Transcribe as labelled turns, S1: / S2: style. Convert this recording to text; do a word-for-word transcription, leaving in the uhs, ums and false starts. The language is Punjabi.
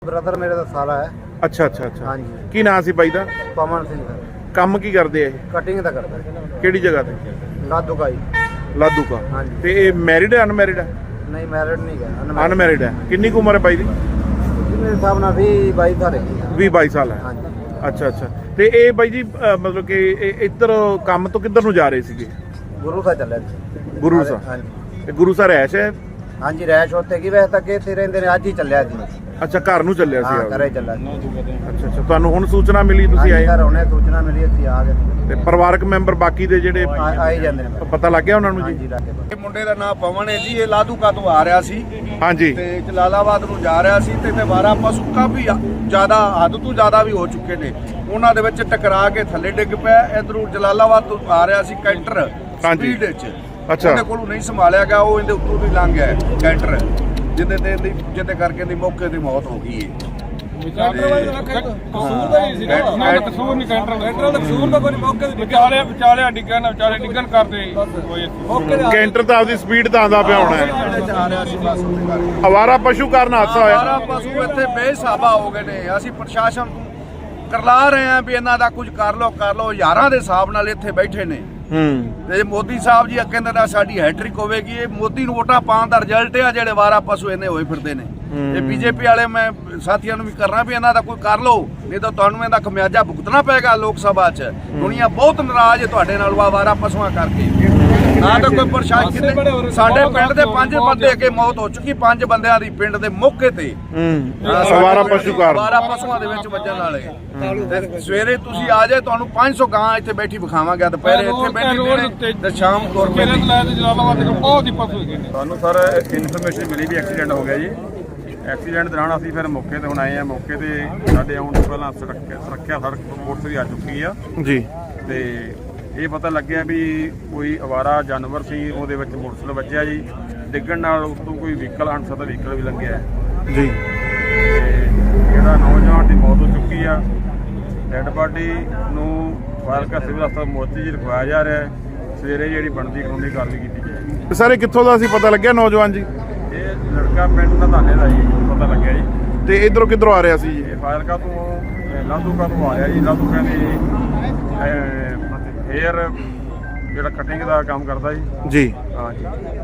S1: ਬ੍ਰਦਰ ਮੇਰੇ ਦਾ ਸਾਲਾ ਹੈ।
S2: ਅੱਛਾ ਅੱਛਾ ਅੱਛਾ
S1: ਹਾਂਜੀ।
S2: ਕੀ ਨਾਂ ਸੀ ਬਾਈ ਦਾ?
S1: ਪਵਨ ਸਿੰਘ ਦਾ
S2: ਕੰਮ ਕੀ ਕਰਦੇ ਆ ਇਹ?
S1: ਕਟਿੰਗ ਦਾ ਕਰਦਾ
S2: ਕਿਹੜੀ ਜਗ੍ਹਾ ਤੇ?
S1: ਲਾਦੂ ਕਾਈ।
S2: ਲਾਦੂਕਾ।
S1: ਹਾਂਜੀ।
S2: ਤੇ ਇਹ ਮੈਰਿਡ ਹੈ ਅਨਮੈਰਿਡ ਹੈ?
S1: ਨਹੀਂ ਮੈਰਿਡ ਨਹੀਂ ਹੈ,
S2: ਅਨਮੈਰਿਡ ਹੈ। ਕਿੰਨੀ ਕੁ ਉਮਰ ਹੈ ਬਾਈ ਦੀ?
S1: ਮੇਰੇ ਹਿਸਾਬ ਨਾਲ ਵੀਹ ਬਾਈ ਸਾਲ ਹੈ।
S2: ਵੀਹ ਬਾਈ ਸਾਲ ਹੈ।
S1: ਹਾਂਜੀ।
S2: ਅੱਛਾ ਅੱਛਾ। ਤੇ ਇਹ ਬਾਈ ਜੀ ਅ, ਮਤਲਬ ਕਿ ਇਹ ਇੱਧਰ ਕੰਮ ਤੋਂ ਕਿੱਧਰ ਨੂੰ ਜਾ ਰਹੇ ਸੀਗੇ?
S1: ਗੁਰੂ ਸਾਹਿਬ ਚੱਲਿਆ ਸੀ।
S2: ਗੁਰੂ ਸਾਹਿਬ।
S1: ਹਾਂਜੀ।
S2: ਤੇ ਗੁਰੂ ਸਾਹਿਬ ਰਹਿਸ਼ ਹੈ?
S1: ਹਾਂਜੀ ਰੈਸ਼ ਉੱਥੇ ਕੀ ਵੈਸੇ ਤਾਂ ਇੱਥੇ ਰਹਿੰਦੇ ਨੇ, ਅੱਜ ਹੀ ਚੱਲਿਆ ਸੀ।
S2: ਅੱਛਾ ਘਰ ਨੂੰ ਚੱਲਿਆ
S1: ਹਾਂ
S2: ਸੀ?
S1: ਘਰੇ ਚੱਲਿਆ ਸੀ।
S2: ਅੱਛਾ ਅੱਛਾ। ਤੁਹਾਨੂੰ ਹੁਣ ਸੂਚਨਾ ਮਿਲੀ, ਤੁਸੀਂ ਆਏ?
S1: ਘਰ ਉਹਨੇ ਸੂਚਨਾ ਮਿਲੀ, ਅਸੀਂ ਆ ਗਏ
S2: ਤੇ ਪਰਿਵਾਰਕ ਮੈਂਬਰ ਬਾਕੀ ਦੇ ਜਿਹੜੇ
S1: ਆ- ਆਈ ਜਾਂਦੇ ਨੇ।
S2: ਪਤਾ ਲੱਗ ਗਿਆ ਉਹਨਾਂ ਨੂੰ ਜੀ?
S1: ਹਾਂਜੀ ਲੱਗ ਗਿਆ।
S3: ਇਹ ਮੁੰਡੇ ਦਾ ਨਾਮ ਪਵਨ ਹੈ ਜੀ। ਇਹ ਲਾਧੂਕਾ ਤੋਂ ਆ ਰਿਹਾ ਸੀ
S2: ਹਾਂਜੀ।
S3: ਤੇ ਜਲਾਲਾਬਾਦ ਨੂੰ ਜਾ ਰਿਹਾ ਸੀ ਤੇ ਵਾਰਾ ਪਸ਼ੂ ਕਾਫੀ ਜ਼ਿਆਦਾ ਹੱਦ ਤੋਂ ਜ਼ਿਆਦਾ ਵੀ ਹੋ ਚੁੱਕੇ ਨੇ। ਉਹਨਾਂ ਦੇ ਵਿੱਚ ਟਕਰਾ ਕੇ ਥੱਲੇ ਡਿੱਗ ਪਿਆ। ਇਧਰੋਂ ਜਲਾਲਾਬਾਦ ਤੋਂ ਆ ਰਿਹਾ ਸੀ ਕੈਂਟਰ
S2: ਹਾਂਜੀ।
S3: ਸਪੀਡ ਵਿੱਚ।
S2: ਅੱਛਾ।
S3: ਉਹਦੇ ਕੋਲੋਂ ਨਹੀਂ ਸੰਭਾਲਿਆ ਗਿਆ, ਉਹ ਇਹਦੇ ਉੱਤੋਂ ਦੀ ਲੰਘ ਗਿਆ ਕੈਂਟਰ, ਜਿਹਦੇ ਤੇ ਇਹਦੀ ਜਿਹਦੇ ਕਰਕੇ ਇਹਦੀ ਮੌਕੇ ਦੀ ਮੌਤ ਹੋ ਗਈ ਹੈ।
S4: ਕਸੂਰ ਦਾ ਹੀ ਸੀ ਨਾ, ਨਾ ਕਸੂਰ ਨਹੀਂ ਕੈਂਟਰ ਕੈਂਟਰ ਦਾ ਕਸੂਰ ਦਾ ਕੋਈ ਮੌਕੇ ਤੇ ਵਿਚਾਲੇ ਵਿਚਾਲੇ ਡਿੱਗਣ ਵਿਚਾਲੇ ਡਿੱਗਣ ਕਰਦੇ ਕੋਈ ਮੌਕੇ ਤੇ
S2: ਕੈਂਟਰ ਤਾਂ ਆਪਦੀ ਸਪੀਡ ਤਾਂ ਆਂਦਾ ਪਿਆ ਹੋਣਾ ਹੈ।
S3: ਆ ਰਿਹਾ ਸੀ ਬਸ ਉਹਦੇ ਕਰਕੇ।
S2: ਅਵਾਰਾ ਪਸ਼ੂ ਕਾਰਨ ਹਾਦਸਾ ਹੋਇਆ।
S3: ਸਾਰਾ ਪਸ਼ੂ ਇੱਥੇ ਬੇਸਾਬਾ ਹੋ ਗਏ ਨੇ। ਅਸੀਂ ਪ੍ਰਸ਼ਾਸਨ ਨੂੰ ਕਰਲਾ ਰਹੇ ਹਾਂ ਵੀ ਇਹਨਾਂ ਦਾ ਕੁਝ ਕਰ ਲਓ ਕਰ ਲਓ। ਹਜ਼ਾਰਾਂ ਦੇ ਹਿਸਾਬ ਨਾਲ ਇੱਥੇ ਬੈਠੇ ਨੇ।
S2: ਹੂੰ।
S3: ਤੇ ਮੋਦੀ ਸਾਹਿਬ ਜੀ ਕਹਿੰਦੇ ਨਾ ਸਾਡੀ ਹੈਟ੍ਰਿਕ ਹੋਵੇਗੀ। ਇਹ ਮੋਦੀ ਨੂੰ ਵੋਟਾਂ ਪਾਉਣ ਦਾ ਰਿਜ਼ਲਟ ਹੈ ਜਿਹੜੇ ਵਾਰਾ ਪਸ਼ੂ ਇਹਨੇ ਹੋਏ ਫਿਰਦੇ ਨੇ। ਇਹ ਬੀਜੇਪੀ ਵਾਲੇ ਮੈਂ ਸਾਥੀਆਂ ਨੂੰ ਵੀ ਕਰਨਾ ਵੀ ਇਹਨਾਂ ਦਾ ਕੋਈ ਕਰ ਲਓ, ਨਹੀਂ ਤਾਂ ਤੁਹਾਨੂੰ ਇਹਦਾ ਖਮਿਆਜਾ ਭੁਗਤਣਾ ਪਏਗਾ ਲੋਕ ਸਭਾ 'ਚ। ਦੁਨੀਆ ਬਹੁਤ ਨਾਰਾਜ਼ ਹੈ ਤੁਹਾਡੇ ਨਾਲ ਵਾਰਾ ਪਸ਼ੂਆਂ ਕਰਕੇ। ਨਾ ਤਾਂ ਕੋਈ ਪ੍ਰਸ਼ਾਸਨ ਕਿਤੇ ਸਾਡੇ ਪਿੰਡ ਦੇ ਪੰਜ ਬੰਦੇ ਅੱਗੇ ਮੌਤ ਹੋ ਚੁੱਕੀ, ਪੰਜ ਬੰਦਿਆਂ ਦੀ ਪਿੰਡ ਦੇ ਮੌਕੇ ਤੇ
S2: ਹੂੰ। ਅਵਾਰਾ ਪਸ਼ੂ ਕਾਰਨ।
S3: ਵਾਰਾ ਪਸ਼ੂਆਂ ਦੇ ਵਿੱਚ ਵੱਜਣ ਵਾਲੇ। ਤੇ ਸਵੇਰੇ ਤੁਸੀਂ ਆ ਜਾਏ, ਤੁਹਾਨੂੰ ਪੰਜ ਸੌ ਗਾਂ ਇੱਥੇ ਬੈਠੀ ਵਿਖਾਵਾਂਗੇ। ਦੁਪਹਿਰੇ ਇੱਥੇ ਬੈਠੀ ਨੇ ਤੇ ਸ਼ਾਮ ਤੁਰ
S4: ਮੇਰੇ
S3: ਪੈਂਦੀ।
S4: ਲੈ ਤੇ ਜਲਾਲਾਬਾਦ ਦੇ ਬਹੁਤ ਹੀ ਪਸ਼ੂ ਹੈਗੇ ਨੇ।
S5: ਸਾਨੂੰ ਸਰ ਇਨਫੋਰਮੇਸ਼ਨ ਮਿਲੀ ਵੀ ਐਕਸੀਡੈਂਟ ਹੋ ਗਿਆ ਜੀ। ਐਕਸੀਡੈਂਟ ਦੌਰਾਨ ਅਸੀਂ ਫਿਰ ਮੌਕੇ ਤੇ ਹੁਣ ਆਏ ਆ। ਮੌਕੇ ਤੇ ਸਾਡੇ ਆਉਣ ਤੋਂ ਪਹਿਲਾਂ ਸੁਰੱਖਿਆ ਸੁਰੱਖਿਆ ਸੜਕ ਪੁਲਿਸ ਵੀ ਆ ਚੁੱਕੀ ਆ
S2: ਜੀ।
S5: ਤੇ ਇਹ ਪਤਾ ਲੱਗਿਆ ਵੀ ਕੋਈ ਅਵਾਰਾ ਜਾਨਵਰ ਸੀ, ਉਹਦੇ ਵਿੱਚ ਮੋਟਰਸਾਈਕਲ ਵੱਜਿਆ ਜੀ। ਡਿੱਗਣ ਨਾਲ ਉੱਤੋਂ ਕੋਈ ਵਹੀਕਲ ਅਣਸਦਾ ਵਹੀਕਲ ਵੀ ਲੰਘਿਆ
S2: ਜੀ।
S5: ਤੇ ਜਿਹੜਾ ਨੌਜਵਾਨ ਦੀ ਮੌਤ ਹੋ ਚੁੱਕੀ ਆ। ਡੈੱਡ ਬਾਡੀ ਨੂੰ ਫਾਜ਼ਿਲਕਾ ਸਿਵਲ ਹਸਪਤਾਲ ਮੋਤੀ ਜੀ ਰਖਵਾਇਆ ਜਾ ਰਿਹਾ ਹੈ। ਸਵੇਰੇ ਜਿਹੜੀ ਬਣਦੀ ਕਾਨੂੰਨੀ ਕਾਰਵਾਈ ਕੀਤੀ ਜਾਏਗੀ।
S2: ਸਾਰੇ ਕਿੱਥੋਂ ਦਾ ਸੀ ਪਤਾ ਲੱਗਿਆ ਨੌਜਵਾਨ ਜੀ?
S5: ਇਹ ਲੜਕਾ ਪਿੰਡ ਦਾ ਧਾਨੇ ਦਾ ਜੀ ਪਤਾ ਲੱਗਿਆ ਜੀ।
S2: ਤੇ ਇਧਰੋਂ ਕਿੱਧਰੋਂ ਆ ਰਿਹਾ ਸੀ ਜੀ?
S5: ਇਹ ਫਾਜ਼ਿਲਕਾ ਤੋਂ ਲਾਧੂਕਾ ਤੋਂ ਆ ਰਿਹਾ ਜੀ। ਲਾਧੂਕਾ ਦੀ ਹੇਅਰ ਜਿਹੜਾ ਕਟਿੰਗ ਦਾ ਕੰਮ ਕਰਦਾ ਜੀ।
S2: ਜੀ।
S5: ਹਾਂ ਜੀ।